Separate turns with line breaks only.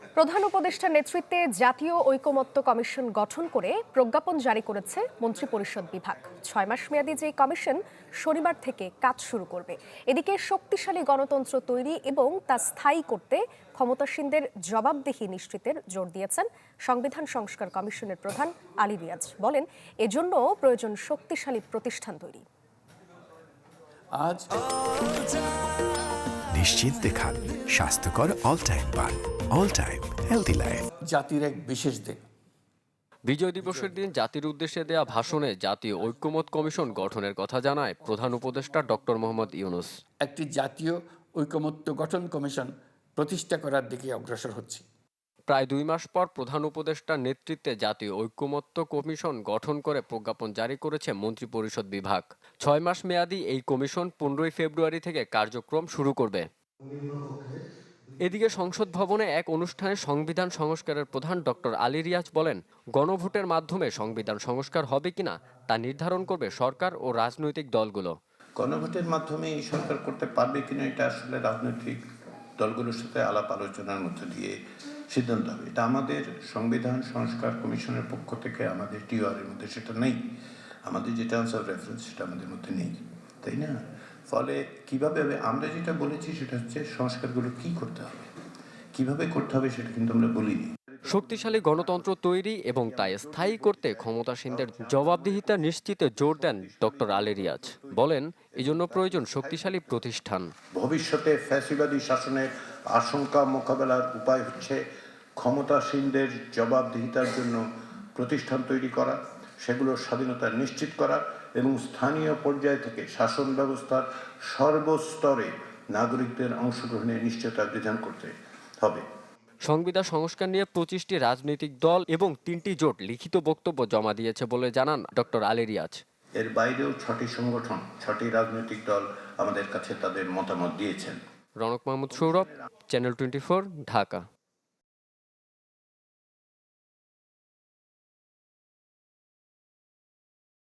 প্রধান উপদেষ্টার নেতৃত্বে জাতীয় ঐকমত্য কমিশন গঠন করে প্রজ্ঞাপন জারি করেছে মন্ত্রিপরিষদ বিভাগ। 6 মাস মেয়াদী যে কমিশন শনিবার থেকে কাজ শুরু করবে। এদিকে শক্তিশালী গণতন্ত্র তৈরি এবং তা স্থায়ী করতে ক্ষমতাসীনদের জবাবদিহি নিশ্চিতের জোর দিয়েছেন সংবিধান সংস্কার কমিশনের প্রধান আলী রিয়াজ। বলেন, এজন্য প্রয়োজন শক্তিশালী প্রতিষ্ঠান তৈরি।
নিশ্চিন্তে খান স্বাস্থ্যকর অল টাইম পান। All time healthy life.
জাতির এক বিশেষ দিন।
বিজয় দিবসের দিন জাতির উদ্দেশ্যে দেয়া ভাষণে জাতীয় ঐকমত্য কমিশন গঠনের কথা জানায় প্রধান উপদেষ্টা ডক্টর মোহাম্মদ ইউনূস।
একটি জাতীয় ঐকমত্য গঠন কমিশন প্রতিষ্ঠা করার দিকে অগ্রসর হচ্ছে।
প্রায় 2 মাস পর প্রধান উপদেষ্টার নেতৃত্বে জাতীয় ঐকমত্য কমিশন গঠন করে প্রজ্ঞাপন জারি করেছে মন্ত্রিপরিষদ বিভাগ। 6 মাস মেয়াদী এই কমিশন 15 ফেব্রুয়ারি থেকে কার্যক্রম শুরু করবে। এদিকে সংসদ ভবনে এক অনুষ্ঠানে সংবিধান সংস্কারের প্রধান ডক্টর আলী রিয়াজ বলেন, গণভোটের মাধ্যমে সংবিধান সংস্কার হবে কিনা তা নির্ধারণ করবে সরকার ও রাজনৈতিক দলগুলো।
গণভোটের মাধ্যমে এই সরকার করতে পারবে কিনা এটা আসলে রাজনৈতিক দলগুলোর সাথে আলাপ আলোচনার মধ্য দিয়ে সিদ্ধান্ত হবে। এটা আমাদের সংবিধান সংস্কার কমিশনের পক্ষ থেকে আমাদের টিওআরের মধ্যে সেটা নেই। আমাদের যে টার্মস অফ রেফারেন্স সেটা আমাদের মধ্যে নেই, তাই না? ফলে কিভাবে হবে, আমরা যেটা বলেছি সেটা হচ্ছে সংস্কারগুলো কি করতে হবে, কিভাবে করতে হবে সেটা কিন্তু আমরা বলিনি।
শক্তিশালী গণতন্ত্র তৈরি এবং তা স্থায়ী করতে ক্ষমতাসীনদের জবাবদিহিতা নিশ্চিতে জোর দেন ডক্টর আলী রিয়াজ। বলেন, এজন্য প্রয়োজন শক্তিশালী প্রতিষ্ঠান।
ভবিষ্যতে ফ্যাসিবাদী শাসনের আশঙ্কা মোকাবেলার উপায় হচ্ছে ক্ষমতাসীনদের জবাবদিহিতার জন্য প্রতিষ্ঠান তৈরি করা, সেগুলোর স্বাধীনতা নিশ্চিত করা এবং স্থানীয় পর্যায় থেকে শাসন ব্যবস্থার সর্বস্তরে নাগরিকদের অংশগ্রহণের নিশ্চয়তা বিধান করতে হবে।
সংবিধান সংস্কার নিয়ে 25টি রাজনৈতিক দল এবং 3টি জোট লিখিত বক্তব্য জমা দিয়েছে বলে জানান ডক্টর আলী রিয়াজ।
এর বাইরেও 6টি সংগঠন, 6টি রাজনৈতিক দল আমাদের কাছে তাদের মতামত দিয়েছেন।
রনক মাহমুদ সৌরভ, চ্যানেল 24, ঢাকা।